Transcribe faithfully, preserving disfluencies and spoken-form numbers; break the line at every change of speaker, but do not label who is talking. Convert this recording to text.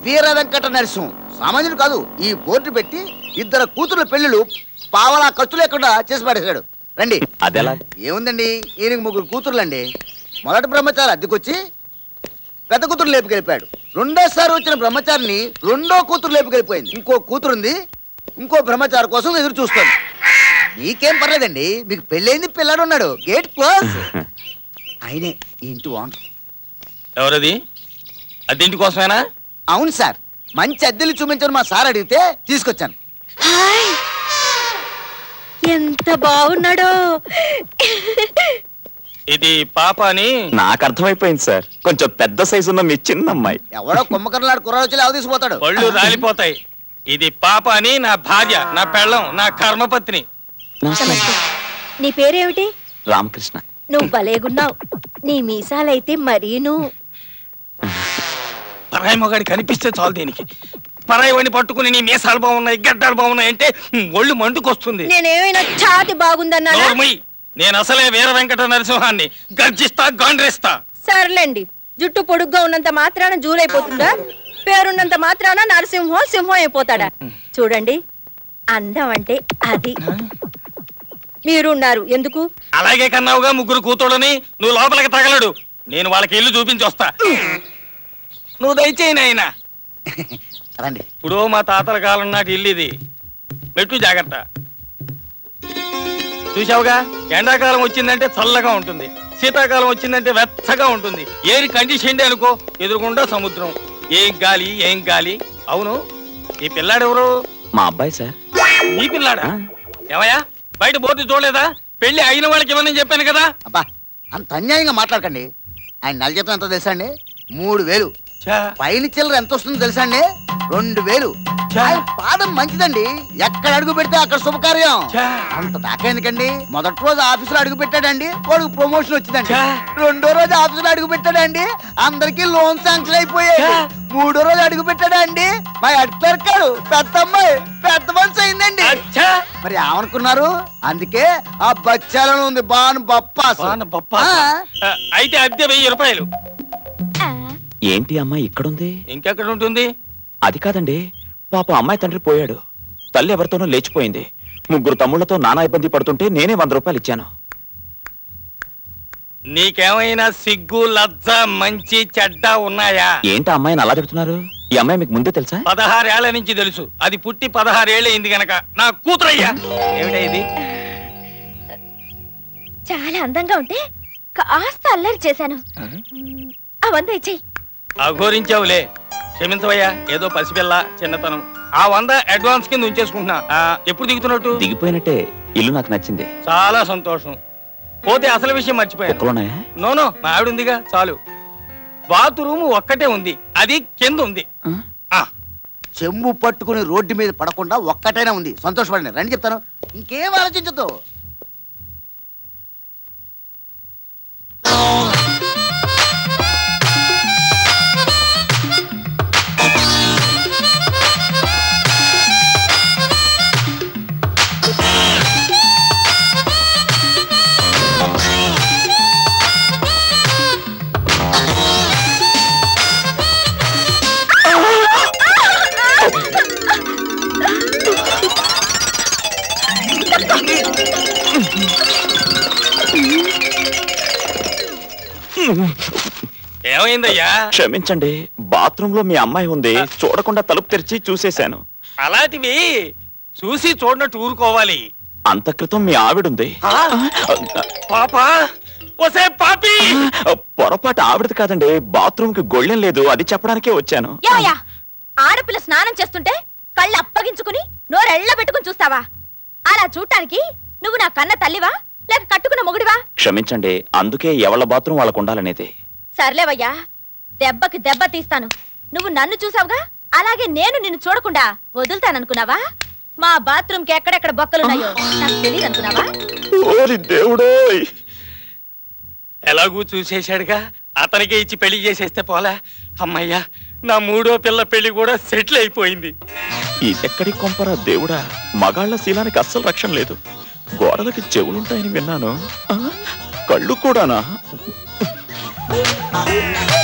వీర వెంకట నరసింహం సామాన్యుడు కాదు. ఈ బోర్డు పెట్టి ఇద్దరు కూతురు పెళ్లిళ్ళు పావలా ఖర్చు లేకుండా చేసి పడేశాడు. రండి.
అదెలా?
ఏముందండి, ఈయనకి ముగ్గురు కూతుర్లండి. మొదటి బ్రహ్మచారి అద్దెకొచ్చి పెద్ద కూతురు లేపుకెళ్ళిపోయాడు. రెండోసారి వచ్చిన బ్రహ్మచారిని రెండో కూతురు లేపుకెళ్ళిపోయింది. ఇంకో కూతురుంది, ఇంకో బ్రహ్మచారి కోసం ఎదురు చూస్తుంది. మీకేం పర్లేదండి, మీకు పెళ్ళైంది, పిల్లాడు ఉన్నాడు. Gate close. ఆయనే ఈ ఇంటి ఓనర్.
ఎవరది? అద్దెంటి కోసమేనా?
అవును సార్, మంచి అద్దెలు చూపించని మా సార్ అడిగితే తీసుకొచ్చాను.
ఎంత బాగున్నాడో.
ఇది పాప అని
నాకు అర్థమైపోయింది సార్. కొంచెం పెద్ద సైజు ఉన్న మీ చిన్న అమ్మాయి.
ఎవడో కుమ్మకర్లాడు కుర్రాడు వచ్చి లేవ తీసుకుపోతాడు.
పళ్ళు రాలిపోతాయి. ఇది పాప అని నా భార్య, నా పెళ్ళం, నా కర్మపత్ని.
నీ పేరేమిటి?
రామకృష్ణ.
నువ్వు భలేగున్నావు. నీ మీసాలైతే మరీను.
పరాయి మొగాడి కనిపిస్తే చాలు దీనికి. పరాయి వాడిని పట్టుకుని నీ మీసాలు బాగున్నాయి, గడ్డాలు బాగున్నాయి అంటే ఒళ్ళు మండుకొస్తుంది.
నేనేమైనా ఛాతి బాగుందన్నా?
నేను అసలే వీర వెంకట నరసింహాన్ని. గర్జిస్తా, గాండ్రేస్తా.
సర్లేండి, జుట్టు పొడుగ్గా ఉన్నంత మాత్రాన జూలైపోతుందా? పేరున్నంత మాత్రాన నరసింహం సింహం అయిపోతాడా? చూడండి, అందం అంటే అది. మీరున్నారు ఎందుకు?
అలాగే కన్నావుగా ముగ్గురు కూతుడని. నువ్వు లోపలికి తగలడు, నేను వాళ్ళకి ఇల్లు చూపించి వస్తా. నువ్వు దయచేయి నాయనా.
రండి.
ఇప్పుడు మా తాతల కాలం నాటి ఇల్లు ఇది. మెట్టు జాగ్రత్త. చూసావుగా, ఎండాకాలం వచ్చిందంటే చల్లగా ఉంటుంది, శీతాకాలం వచ్చిందంటే వెచ్చగా ఉంటుంది. ఏరి కండిషన్ అనుకో, ఎదురుకుండా సముద్రం. ఏం గాలి, ఏం గాలి. అవును, ఈ పిల్లాడెవరు?
మా అబ్బాయి సార్.
నీ పిల్లాడా? ఏమయ్యా, బయట బోర్డు చూడలేదా? పెళ్లి అయిన వాళ్ళకి ఇవ్వనని చెప్పాను కదా.
అబ్బా, అంత అన్యాయంగా మాట్లాడకండి. ఆయన నెల జీతం ఎంతో తెలుసా అండి? మూడు వేలు. పైన చిల్లర ఎంత వస్తుందో తెలుసా అండి? రెండు వేలు. ఆయన పాదం మంచిదండి, ఎక్కడ అడుగు పెడితే అక్కడ శుభకార్యం. అంత దాకా ఎందుకండి? మొదటి రోజు ఆఫీసులో అడుగు పెట్టాడండి, వాడికి ప్రమోషన్ వచ్చిందండి. రెండో రోజు ఆఫీసులో అడుగు పెట్టాడండి, అందరికి లోన్ శాంక్షన్ అయిపోయాయి. మూడో రోజు అడుగు పెట్టాడండి, మా హెడ్ క్లర్క్ పెద్ద అమ్మాయి పెద్ద మనిషి అయిందండి. మరి ఏమనుకున్నారు? అందుకే ఆ బచ్చాలను ఉంది బాను బప్పాస్.
అయితే అద్దె వెయ్యి రూపాయలు.
ఏంటి అమ్మాయి ఇక్కడుంది?
ఇంకెక్కడ ఉంటుంది?
అది కాదండి, పాప అమ్మాయి తండ్రి పోయాడు, తల్లి ఎవరితోనో లేచిపోయింది. ముగ్గురు తమ్ముళ్లతో నానా ఇబ్బంది పడుతుంటే నేనే వంద రూపాయలు ఇచ్చాను.
నీకేమైనా సిగ్గు, లజ్జ, మంచి చెడ్డ ఉన్నాయా?
ఏంటి అమ్మాయిని అలా చెప్తున్నారు? ఈ అమ్మాయి మీకు ముందే తెలుసా?
పదహారేళ్ల నుంచి తెలుసు. అది పుట్టి పదహారేళ్ళు అయింది గనక నా కూతురయ్యా. ఏమిటా ఇది?
చాలా అందంగా ఉంటే కాస్త అల్లరి చేశాను. అవంతా ఇచ్చేయి.
అఘోరించావులే, క్షమించవయ్యా. ఏదో పసిపిల్ల, చిన్నతనం. ఆ వంద అడ్వాన్స్ కింద ఉంచేసుకుంటున్నా. ఎప్పుడు దిగుతున్నట్టు?
దిగిపోయినట్టే. ఇల్లు నాకు నచ్చింది.
చాలా సంతోషం. పోతే అసలు విషయం మర్చిపోయాను. నోనో, మా ఆవిడ ఉందిగా, చాలు. బాత్రూమ్ ఒక్కటే ఉంది, అది కింద ఉంది.
చెంబు పట్టుకుని రోడ్డు మీద పడకుండా ఒక్కటైనా ఉంది. సంతోషపడండి. రండి చెప్తాను, ఇంకేం ఆలోచించదు.
ఏమైందయ్యా?
క్షమించండి, బాత్రూమ్ లో మీ అమ్మాయి ఉంది, చూడకుండా తలుపు తెరిచి చూసేశాను.
అలాంటివి చూసి చూడనట్టు ఊరుకోవాలి.
అంత క్రితం మీ ఆవిడుంది.
పాపా, ఒసే పాపి!
పొరపాటు ఆవిడది కాదండి, బాత్రూమ్ కి గొళ్ళెం లేదు, అది చెప్పడానికే వచ్చాను.
ఆడపిల్ల స్నానం చేస్తుంటే కళ్ళు అప్పగించుకుని నోరెళ్ళ పెట్టుకుని చూస్తావా? అలా చూడటానికి నువ్వు నా కన్న తల్లివా లేక కట్టుకున్న మొగుడివా?
క్షమించండి, అందుకే ఎవళ్ళ బాత్రూమ్ వాళ్ళకు ఉండాలనేది.
సర్లేవయ్యా, దెబ్బకి దెబ్బ తీస్తాను. నువ్వు నన్ను చూసావుగా, అలాగే నేను నిన్ను చూడకుండా వదులుతాననుకున్నావా? మా బాత్రూమ్ కి ఎక్కడెక్కడ బొక్కలున్నాయో నాకు తెలియదు అనుకున్నావా?
దేవుడోయ్,
ఎలాగూ చూసేశాడుగా, అతనికే ఇచ్చి పెళ్లి చేసేస్తే పోలా. అమ్మయ్యా, నా మూడో పిల్ల పెళ్లి కూడా సెటిల్ అయిపోయింది.
ఇదెక్కడి కొంపరా దేవుడా, మగాళ్ల శీలానికి అస్సలు రక్షణ లేదు. గోడలకి చెవులుంటాయని విన్నాను, కళ్ళు కూడానా?